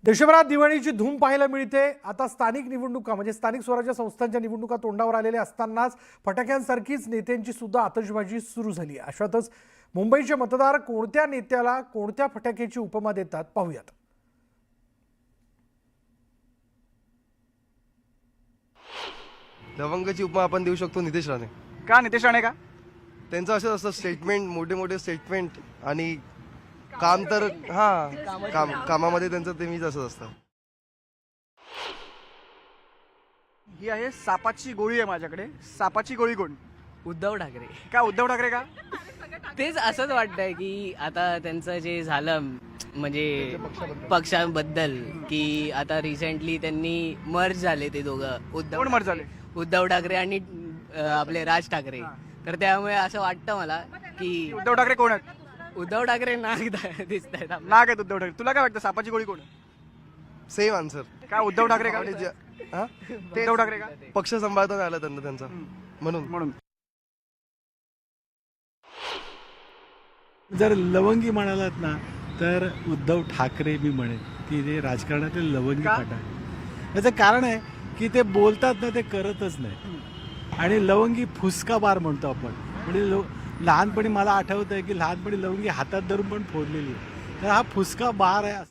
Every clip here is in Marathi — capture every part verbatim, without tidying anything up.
देशभरात दिवाळीची धूम पाहायला मिळते। आता स्थानिक निवडणुका म्हणजे स्थानिक स्वराज्य संस्थांच्या निवडणुका तोंडावर आलेल्या असतानाच फटाक्यांसारखीच नेत्यांची सुद्धा आतषबाजी सुरू झाली। अशातच मुंबईचे मतदार कोणत्या नेत्याला कोणत्या फटाक्याची उपमा देतात पाहूयात। लवंगाची उपमा आपण देऊ शकतो नितेश राणे। का नितेश राणे का? त्यांचं असं असतं स्टेटमेंट, मोठे मोठे स्टेटमेंट आणि काम तर हा काम कामामध्ये त्यांचं ते मीच असं असतं। ही आहे सापाची गोळी आहे माझ्याकडे। सापाची गोळी कोण? उद्धव ठाकरे। का उद्धव ठाकरे का? तेच असंच वाटतंय की आता त्यांचं जे झालं म्हणजे पक्षांबद्दल की आता रिसेंटली त्यांनी मर्ज झाले ते दोघं। उद्धव कोण मर्ज झाले? उद्धव ठाकरे आणि अं, आपले राज ठाकरे। तर त्यामुळे असं वाटतं मला की उद्धव ठाकरे कोण आहेत? उद्धव ठाकरे नाग दिसत आहेत। नाग आहेत उद्धव ठाकरे। तुला काय वाटतं सापाची गोळी कोण? Same answer. का उद्धव ठाकरे का? हा उद्धव ठाकरे का? पक्ष सांभाळता आला त्यांना त्यांचा म्हणून म्हणून जर लवंगी म्हणालात ना तर उद्धव ठाकरे मी म्हणेन की ते राजकारणातील लवंगी का? फाटा आहे। याचं कारण आहे की ते बोलतात ना ते करतच नाही आणि लवंगी फुसका बार म्हणतो आपण। म्हणजे लो लहानपणी मला आठवतं आहे की लहानपणी लवंगी हातात धरून पण फोडलेली आहे। तर हा फुसका बार आहे।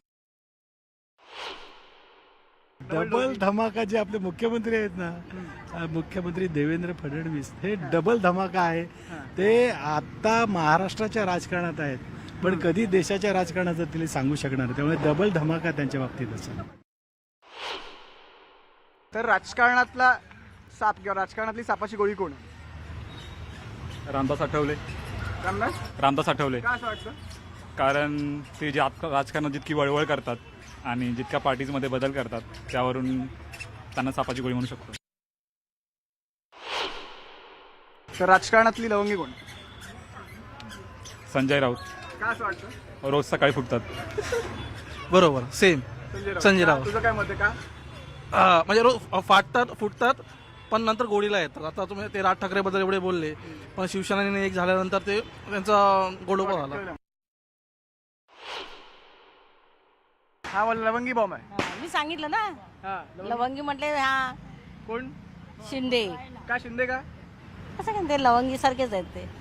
डबल धमाका जे आपले मुख्यमंत्री आहेत ना, मुख्यमंत्री देवेंद्र फडणवीस, हे डबल धमाका आहे। ते आता महाराष्ट्राच्या राजकारणात आहेत पण कधी देशाच्या राजकारणाचं तिला सांगू शकणार नाही। त्यामुळे डबल धमाका त्यांच्या बाबतीत असेल। तर राजकारणातला साप किंवा राजकारणातली सापाची गोळी कोण? रामदास आठवले। रामदास रामदास आठवले का असं वाटतं? कारण ते जे आत राजकारणात जितकी वळवळ करतात आणि जितक्या पार्टीजमध्ये बदल करतात त्यावरून त्यांना सापाची गोळी म्हणू शकतो। तर राजकारणातली लवंगी कोण? संजय राऊत। का असं वाटतं? रोज सकाळी फुटतात। बरोबर सेम संजय राऊत. तुझं काय मत आहे? का हा, म्हणजे रोज फाटतात फुटतात पण नंतर गोडीला येतात। आता तुम्ही ते राज ठाकरे बद्दल एवढे बोलले पण शिवसेनेने एक झाल्यानंतर ते त्यांचा गोडोबा झाला। हा मला लवंगी बॉम्ब आहे। हा, मी सांगितलं ना हा लवंगी म्हटले हा कोण? शिंदे। का शिंदे का? असं काय ते लवंगी सारखेच आहेत ते।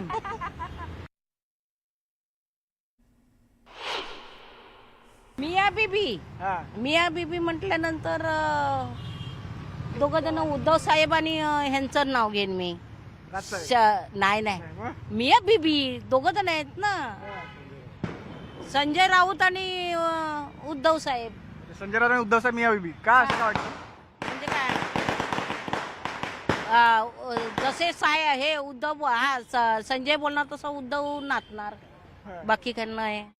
मिया बीबी हा मिया बीबी म्हटल्यानंतर दोघ जण उद्धव साहेब आणि अं, ह्यांचं नाव घेईन मी। राजसाहेब. श- नाही नाही मिया बीबी दोघ जण आहेत ना, संजय राऊत आणि अं, उद्धव साहेब। संजय राऊत आणि उद्धव साहेब मिया बीबी का असं का वाटतं? म्हणजे काय अं, जसे साय हे उद्धव हा स- संजय बोलणार तसं उद्धव नाचणार, बाकी काय नाही।